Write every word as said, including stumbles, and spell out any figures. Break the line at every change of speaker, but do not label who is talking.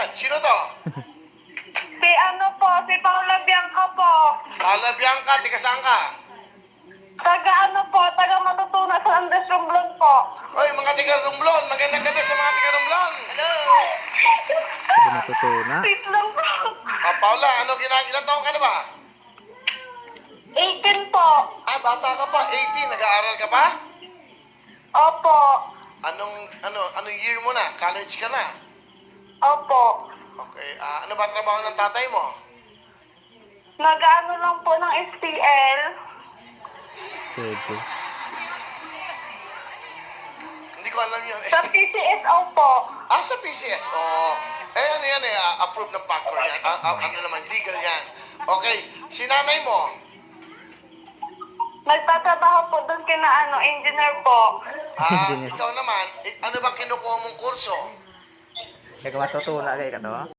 yan? Sino to?
Si ano po, si Paula Bianca po.
Paula Bianca, tiga saan ka?
Taga ano po, taga Matutunan sa Andres Romblon po.
Oy, mga tiga Romblon. Magandang gabi sa mga tiga Romblon. Hello.
Hindi natutuna.
Wait lang po.
Ah, Paula, ano ginagawa? Ilang taong ka na ba?
eighteen po.
Ah, bata ka pa. eighteen. Nag-aaral ka pa?
Opo.
Anong, ano, anong year mo na? College ka na?
Opo.
Okay. Ah, ano ba trabaho ng tatay mo?
Nag-ano lang po ng S T L.
Pwede.
Hindi ko alam yun.
Sa P C S O po.
Ah, sa P C S. Oo. Eh, ano yan eh, ah, approved ng Pacor yan. Ah, ah, ano naman, legal yan. Okay, si nanay mo,
Nagtatrabaho po doon kina ano, engineer po.
ah,
Engineer.
ikaw naman, eh, ano bang kinukuha mong kurso?
Kaya matutuna kayo ka to?